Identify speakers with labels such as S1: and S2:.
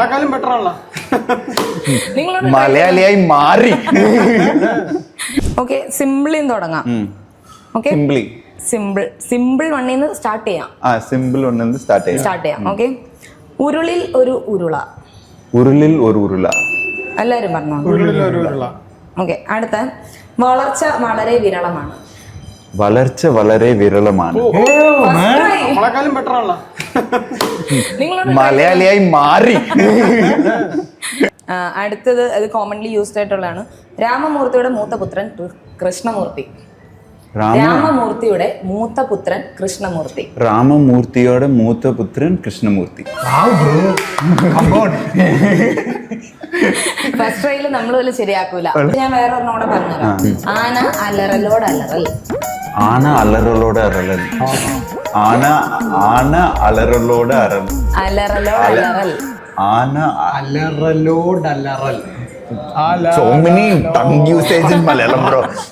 S1: നമ്മളെക്കാളും ബെറ്റർ ആണല്ലോ.
S2: മലയാളിയായി മാറി.
S3: ഓക്കെ, സിമ്പിളിന്ന് തുടങ്ങാം. ഓക്കെ, സിമ്പിൾ വണ്ണിൽ നിന്ന് സ്റ്റാർട്ട് ചെയ്യാം.
S2: സിമ്പിൾ ഒന്നെന്ന് സ്റ്റാർട്ട് ചെയ്യാം.
S3: ഓക്കെ, ഉരുളിൽ ഒരു ഉരുള.
S2: ഉരുളിൽ ഒരു ഉരുള.
S3: എല്ലാരും പറഞ്ഞോ.
S1: ഉരുളിൽ ഒരു ഉരുള.
S3: ഓക്കെ, അടുത്ത വളർച്ച വളരെ വിരളമാണ്.
S2: വളർച്ച വളരെ വിരളമാണ്.
S1: നമ്മളെക്കാളും ബെറ്റർ ആണല്ലോ.
S2: മലയാളിയായി മാറി.
S3: അടുത്തത് അത് കോമൺലി യൂസ്ഡ് ആയിട്ടുള്ളതാണ്. രാമമൂർത്തിയുടെ മൂത്ത പുത്രൻ കൃഷ്ണമൂർത്തി. രാമമൂർത്തിയുടെ മൂത്ത പുത്രൻ കൃഷ്ണമൂർത്തി.
S2: രാമമൂർത്തിയുടെ മൂത്ത പുത്രൻ കൃഷ്ണമൂർത്തി.
S3: ഫസ്റ്റ് ട്രൈയിൽ നമ്മൾ വല്ല ശരിയാക്കൂല. ഞാൻ വേറെ ഒരെണ്ണോടെ പറഞ്ഞുതരാം. ആന അലറലോട് അലറൽ.
S2: ആന അലറലോട് അലറൽ. ആന അലറലോട് അലറൽ.
S3: അലറലോട് അലറൽ.
S2: ആന
S1: അലറലോട് അലറൽ.
S2: so many tongue usage in Malayalam, bro.